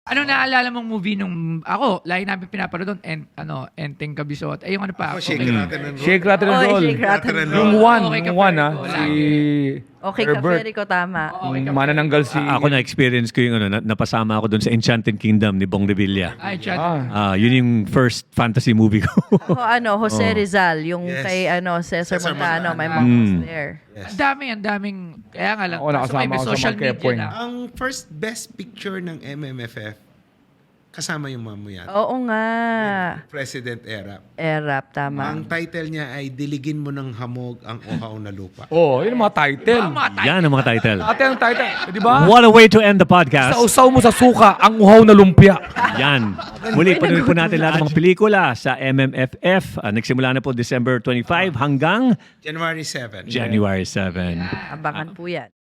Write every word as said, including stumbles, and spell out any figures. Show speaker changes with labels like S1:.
S1: Ano naalala mong movie nung ako, lagi namin pinapanood doon, and, ano, Enteng Kabisot. Ay, yung ano pa?
S2: Ako, Shake,
S1: okay.
S2: Rattle and Roll.
S3: Shake, Rattle and
S4: Oy,
S3: Roll.
S4: Shake, Rattle and
S3: Yung
S4: Roll.
S3: one,
S1: Okay,
S3: yung one
S1: Kapere
S3: ah.
S1: ko,
S3: Si
S1: lagi.
S4: Okay,
S3: Herbert.
S4: Kapere ko, tama.
S1: Okay, Kapere.
S3: Manananggal si...
S5: A- ako na-experience ko yung ano, na- napasama ako doon sa Enchanted Kingdom ni Bong Revilla.
S1: Ay, chat.
S3: Ah,
S5: Ah, yun yung first fantasy movie ko.
S4: Ako, ano, Jose Rizal, yung
S2: Yes.
S4: kay, ano, Cesar,
S2: Cesar
S4: Montano,
S2: Montano.
S4: my mom was
S5: Mm.
S4: there.
S1: Ang dami, ang daming, kaya nga lang.
S3: Ako,
S1: kaso
S3: nakasama
S1: may
S3: ako sa
S1: social
S3: Marquee
S1: media
S3: Point.
S1: na.
S2: Ang first best picture ng M M F F, kasama yung mamuyat.
S4: Oo nga.
S2: President era.
S4: Erap, tama.
S2: Ang title niya ay Diligin mo ng hamog ang uhaw na lupa.
S3: oh, yun ang mga title.
S1: Mga tayo.
S5: Yan ang mga title.
S3: Ate ang title, di ba?
S5: What a way to end the podcast.
S3: Sausaw mo sa suka, ang uhaw na lumpia.
S5: Yan. Muli, panood po natin lahat ng mga pelikula sa M M F F. Ah, nagsimula na po December twenty-five hanggang
S2: January seventh.
S5: January seventh.
S4: Abangan po yan.